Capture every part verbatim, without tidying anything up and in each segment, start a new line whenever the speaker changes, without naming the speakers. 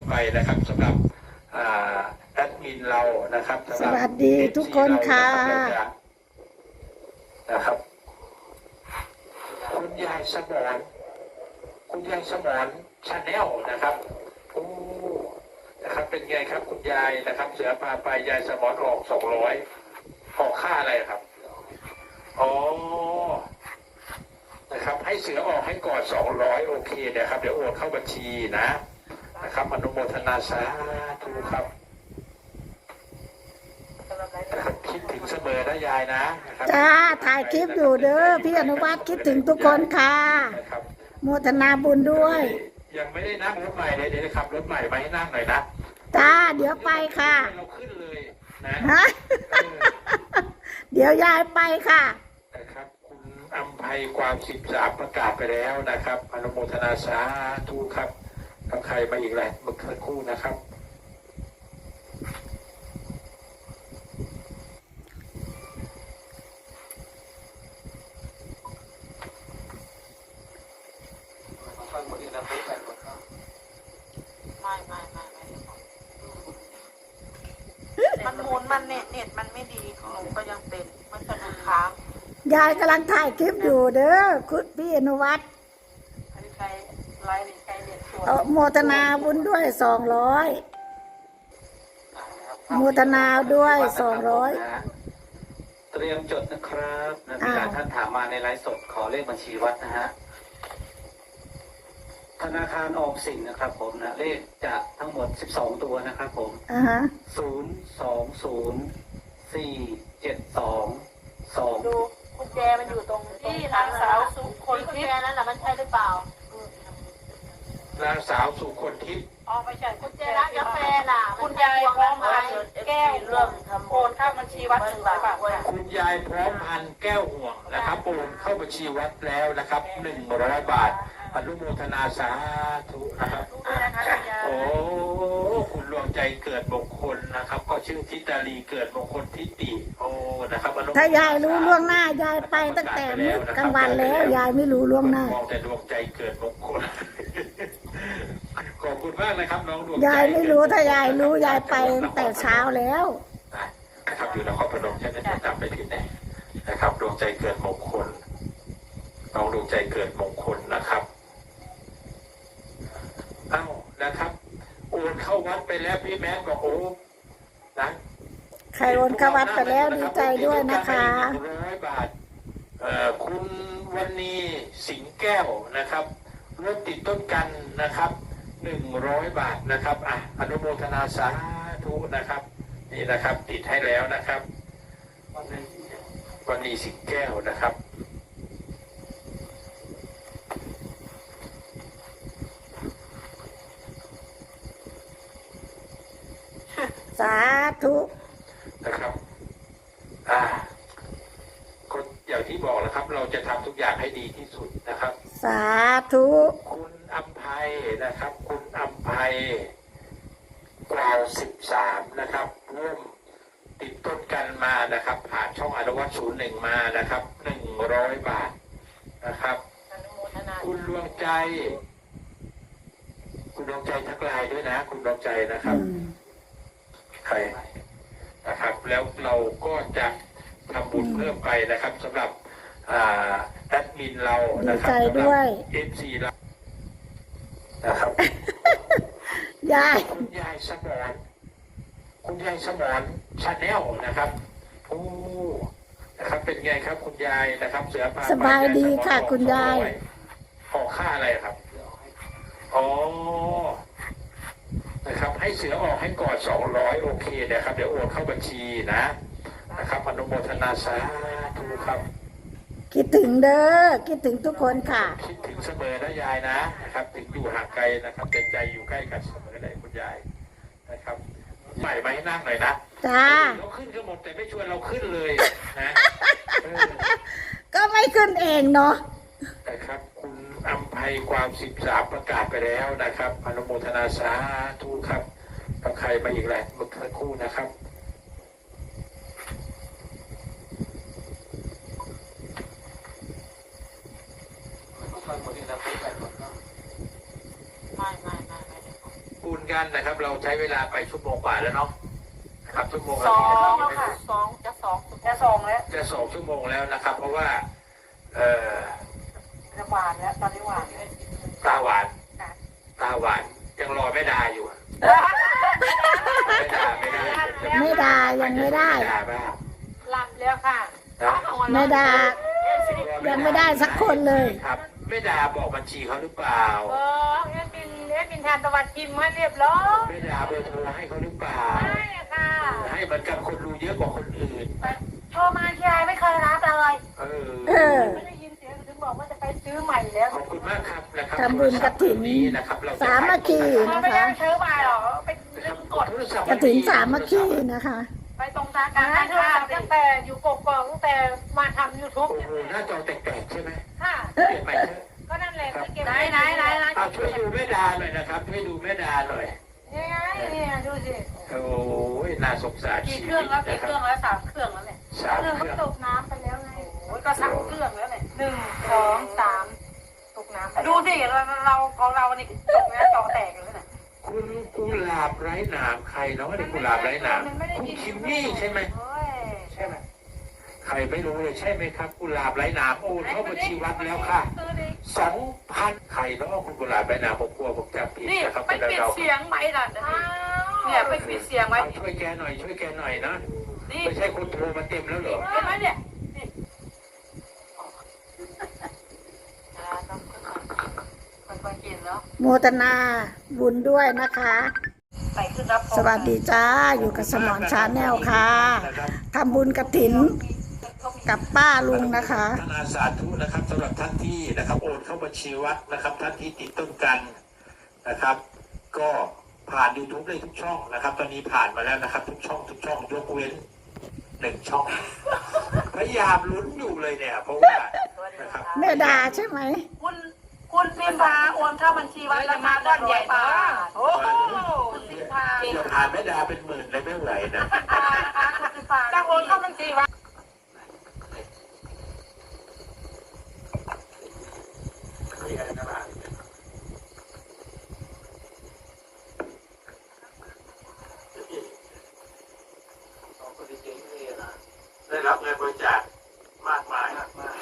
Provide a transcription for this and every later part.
ไปนะครับสำหรับแอดมินเรานะครับ
สวัสดีทุกคนค่ะ
นะครับคุณยายสมรคุณยายสมรชาแนลนะครับโอ้นะครับเป็นไงครับคุณยายนะครับเสือพาไปยายสมรออกสองร้อยออกค่าอะไรครับอ๋อนะครับให้เสือออกให้ก่อนสองร้อยโอเคนะครับเดี๋ยวโอนเข้าบัญชีนะนะครับอนุโมทนาสาธุครับคิดถึงเสมอนะยายนะ
จ้าถ่ายคลิปอยู่เด้อพี่อนุวัฒน์คิดถึงทุกคนค่ะโมทนาบุญด้วย
ยังไม่ได้นั่งรถใหม่เลยเดี๋ยวขับรถใหม่มาให้นั่งหน่อยนะ
จ้าเดี๋ยวไปค่ะ
เราขึ้นเลยนะ
เดี๋ยวยายไปค่ะ
นะครับคุณอัมภัยความสิบสามประกาศไปแล้วนะครับอนุโมทนาสาธุครับกับใครมาอีกแหละเมื่อสักครู่นะครับ
ไม่ไม่ไม่ไม่มันหมุนมันเน็ตเน็ตมันไม่ดีหนูก็ยังเป็นมันสะดุดค้าง
ยายกำลังถ่ายคลิปอยู่เด้อคุณพี่อนุวัฒน์
อันนี้ใครไลน์นี่ใครเน็ตสวย
โมทนาบุญด้วยสองร้อยโมทนาด้วยสองร้อย
เตรียมจดนะครับนะมีหลายท่านถามมาในไลฟ์สดขอเลขบัญชีวัดนะฮะธนาคารออมสินนะครับผมนะเลขจะทั้งหมดสิบสองตัวนะครับผม
อ่าฮะ
ศูนย์สองศูนย์สี่เจ็ดสองสอง
ดูกุญแจมันอยู่ตรงที่นางสาวสุคนกุญแจนั้นแหละมันใช่หรือเปล่
านางสาวสุคนทิพย์
อ๋อไม่ใช่กุญแจร้านกาแฟน่ะคุณยายพร้อมพันแก้วเรื่องโอนเข้าบัญชีวัดหนึ่งร้อยบาท
คุณยายพร้อมพันแก้วห่วงนะครับโอนเข้าบัญชีวัดแล้วนะครับหนึ่งร้อยบาทอนุโมทนาสาธุนะครับโอ้คุณดวงใจเกิดมงคลนะครับก็ชื่อทิตาลีเกิดมงคลทิติโอ้นะครับ
ถ้ายายรู้ล่วงหน้ายายไปตั้งแต่มื้อกลางวันแล้วยายไม่รู้ล่วงหน้าม
องแต่ดวงใจเกิดมงคลขอบคุณมากนะครับน้องดวงใจ
ยายไม่รู้ถ้ายายรู้ยายไปตั้งแต่เช้าแล้ว
นะครับอยู่นครพนมใช่ไหมจำไปผิดแน่นะครับดวงใจเกิดมงคลน้องดวงใจเกิดมงคลนะครับเอ้านะครับโอนเข้าวัดไปแล้วพี่แมนบอกโอ้นะ
ใครโอนเข้าวัดไปแล้วดีใจด้วยนะคะ
ร้อยบาทเอ่อคุณวันนี้สิงแก้วนะครับรถติดต้นกันนะครับหนึ่งร้อยบาทนะครับอ่ะอนุโมทนาสาธุนะครับนี่นะครับติดให้แล้วนะครับวันนี้สิงแก้วนะครับ
สาธุ
นะครับอ่าก็อย่างที่บอกแล้วครับเราจะทำทุกอย่างให้ดีที่สุดนะครับ
สาธุ
คุณอัมภัยนะครับคุณอัมภัยกล่าวสิบสามนะครับร่วมติดต้นกันมานะครับผ่านช่องอนุวัตศูนย์หนึ่งมานะครับหนึ่งร้อยบาทนะครับคุณดวงใจคุณดวงใจทักไลน์ด้วยนะคุณดวงใจนะครับใครนะครับแล้วเราก็จะทำบุญเพิ่มไปนะครับสำหรับแอดมินเรานะครับ
สำหรับ
เอฟซีเรานะครับ
ยาย
คุณยายสมรคุณยายสมรชาแนลนะครับโอ้นะครับเป็นไงครับคุณยายนะครับเสือพา
สบายดีค่ะคุณยาย
ออกค่าอะไรครับอ๋อนะครับให้เสือออกให้ก่อนสองร้อยโอเคนะครับเดี๋ยวโอนเข้าบัญชีนะนะครับอนุโมทนาสาธุครับ
คิดถึงเด้อคิดถึงทุกคนค่ะ
คิดถึงเสมอนะยายนะนะครับถึงอยู่ห่างไกลนะครับแต่ใจอยู่ใกล้กันเสมอเลยคุณยายนะครับใหม่มาให้นั่งหน่อยนะ
จ้า
เราขึ้นกันหมดแต่ไม่ชวนเราขึ้นเลยนะ
ก็ไม่ขึ้นเองเนาะ
นะครับคุณอัมภัยความสิบสามประกาศไปแล้วนะครับอนุโมทนาสาธุครับกับใครมาอีกแหละเมื่อสักครู่นะครับ
ไม่ไม่ไม่ไม่
ปูนกันนะครับ เราใช้เวลาไปชั่วโมงกว่าแล้วเนาะนะครับชั่วโมง
ส
ละ
อง
กี่นาที
แล้วค่ะสองจะสองจะสองแล้ว
จะสองชั่วโมงแล้วนะครับ เพราะว่า เอ่อ
จะหวานแล้วตอนนี้หวานเลย
ตาหวานตาหวานยังรอแม่ดาอยู่อะไม่ดาไม่ได้
ไม่ได้ยังไม่ได้
ม่ดาบ้าง
หลับแล้วค่ะ
นะ
ไม่ได้ยังไม่ได้สักคนเลย
ครับแม่ดาบอกบัญชีเขาหรือเปล่า
เออเอ็ดบินเอ็ดบินทานตะวันกิมให้เรียบร้อย
แม่ดาเบอร์โทรให้เขาหรือเปล่า
ใช่ค่ะ
ให้เหมือนกับคนดูเยอะกว่าคนอื่น
โทรมาที่ไรไม่เคยรับเลย
เออ
เออ
ไม่ได้ยินเสียงถึงบอกว่าจะไปซื้อใหม่แล้ว
ขอบคุณมากครับนะครับ
ทำบุญกฐิน
นี้นะครับเราจะ
สามัคคี
มันไม่ได้ซื้อใหม่หรอกเป็นเรื่องกด
กระถินสามัคคีนะคะ
ไปตรงสาขาการค้าตั้งแต่อยู่กกอกตั้งแต่มาทำยูทูบ
โอ้โหหน้าจอแตกๆใช่ไหม
ค่ะ
เปลี่ยนใหม่เถอะ
ก็นั่นแหละก็เก็บไหนไหนไหนไหน
เอาช่วยดูแม่ดาหน่อยนะครับช่วยดูแม่ดาหน่อย
นี่ไงเนี่ยดูสิ
โอ้ยน่าสงสาร
กี่
ชี
เค
วิ
รื่อง
ต
แล้ว
นะ
กี่
ค
เครื่
รั
อบ งแล้วสามเครื่องแล้วเนี่ย
สาม
เครื่อง
เค
ก็
รื่อง
ตกน้ำไปแล้วไงโอ้ยก็สามเครื่องแล้วเนี่ยหนึ่งสองสามตกน้ำดูสิเราเราของเรานี่ตกน้ำจอแตกเลยเนี่ย
คุณกุหลาบไร้หนามใครเนาะนี่กุหลาบไร้หนามคุณคิมมี่ใช่ไหม
โอ้ย
ใช่ไหมใครไม่รู้เลยใช่ไหมครับกุหลาบไร้หนามโอนเข้าบัญชีวัดแล้วค่ะสองพันใครเนาะคุณกุหลาบไร้หนามผมกลัวผมจำผิด
นี่
นะครับ
ไปปิดเสียงไหมล่ะเนี่ยไปปิดเสียงไว้
ช่วยแกหน่อยช่วยแกหน่อยนะ
นี่
ไม่ใช่คนโทรมาเต็มแล้วเหรอ
เห็นไหมเนี่ยค่อยๆกินแล้ว
โมทนาบุญด้วยนะคะ
ใส่ขึ้นรับ
สวัสดีจ้า อยู่กับสมอนชาแนลค่ะทำบุญกระถินกับป้าลุงนะคะ
ธนาสาธุนะครับสำหรับท่านที่นะครับโอนเข้าบัญชีวัดนะครับ ท่านที่ติดต้นกันนะครับ ก็ผ่าน YouTube ได้ทุกช่องนะครับ ตอนนี้ผ่านมาแล้วนะครับ ทุกช่องทุกช่องยกเว้นหนึ่งช่อง พยายามลุ้นอยู่เลยเนี่ย เพราะว่านะครับ
แม่ดาใช่ไหม
คุณคุณพิมพาโอนเข้าบัญชีวัดราคาก้อนใหญ่มากโอ้โหคุณพิมพา
เดี๋ยวผ่านแม่ดาเป็นหมื่นเลยไม่ไหวนะ
คุณพิมพาจะโอนเข้าบัญชีวัด
ได้รับเงินบริจาคมากมาย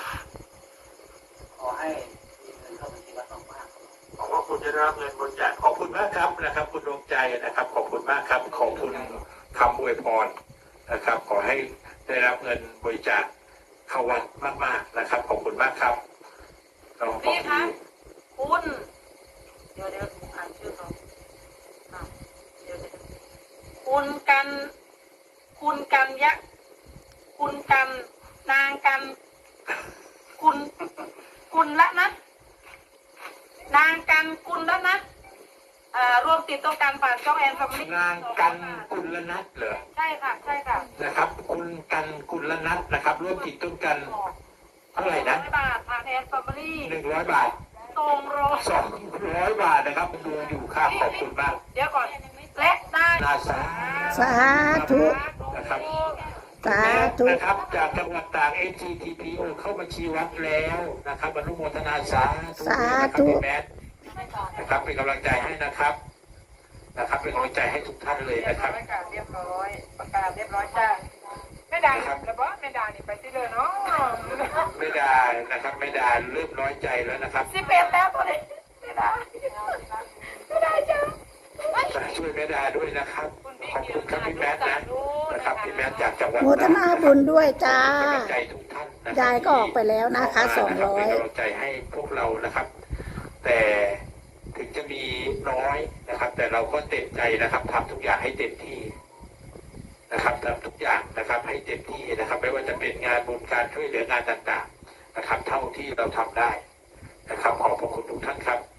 ขอให้มีเงินเข้าบัญชีวัดมาก
ขอบว่าคุณจะได้รับเงินบริจาคขอบคุณมากครับนะครับ คุณดวงใจนะครับ ขอบคุณมากครับขอบคุณคำอวยพรนะครับ ขอให้ได้รับเงินบริจาคเข้าวัดมากๆนะครับ ขอบคุณมากครับเราขอบ
นี่
คุ
คะ
ณ
คุณเดี๋ยวเดี๋ยวอ่านชื่อเขาอ่ะเดี๋ยวเดี๋ยวคุณกัน คุณกันยะ คุณกันนางกัน คุณ คุณละนะ นางกันคุณละนะอ่ารวมติดตัวกันผ่านช่องแอนฟามิลี่
นางกันกุลนัทเหรอ
ใช่ค่ะ ใช่ค่ะ
นะครับ คุณกันกุลนัทนะครับ ร่วมติดต้นกันเท่าไหร่นะ
ร้อยบาทผ่านแอนฟามิลี่
หนึ่งร้อยบาท
ตรงโร
สองร้อยบาทนะครับดูอยู่ค่ะขอบคุณมาก
เดี๋ยวก่อน และได้
นาสา
สาธุ
นะครับ
สาธุ
นะครับจากจังหวัดตาก เอ จี ที พี โอ เข้าบัญชีวัดแล้วนะครับอนุโมทนาสาธุ
สา
นะครับ
ธุ
พี่แมทนะครับเป็นกำลังใจให้นะครับนะครับเป็นกำลังใจให้ทุกท่านเลย
เรียบ
นะครับ
ร้อยค่ะเรียบร้อยประกาศเรียบร้อยจ้าไม่ดังแล้วบอสไม่ดังนี่ไปที่เลยเนาะ
ไม่ได้นะครับไม่ได้เริ่มน้อยใจแล้วนะครับ
สิบเอ็ดแล้วตัวนี้ไม่ได้ไม่ได้จ้า
ช่วยแม่ดาด้วยนะครับขอบคุณครับพี่แมทนะนะครับพี่แมทจากจังหวัด
โมทนาบุญด้วยจ้า
เป็นกำลังใจทุกท่านนะครับ
ยายก็ออกไปแล้วนะคะสองร้อย
เป็นกำลังใจให้พวกเรานะครับ แต่ถึงจะมีน้อยนะครับ แต่เราก็เต็มใจนะครับทำทุกอย่างให้เต็มที่นะครับทำทุกอย่างนะครับ ให้เต็มที่นะครับ ไม่ว่าจะเป็นงานบุญการช่วยเหลืองานต่างๆนะครับ เท่าที่เราทำได้นะครับ ขอบพระคุณทุกท่านครับ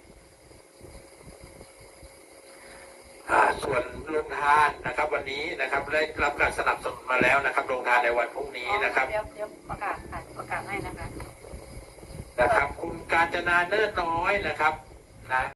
อ่าส่วนโรงทานนะครับ วันนี้นะครับได้รับการสนับสนุนมาแล้วนะครับโรงทานในวันพรุ่งนี้นะครับ
เดี๋ยวเดี๋ยวประกาศค่ะประกาศให้นะคะ
นะครับ คุณกาญจนาเนิ่นน้อยนะครับนะ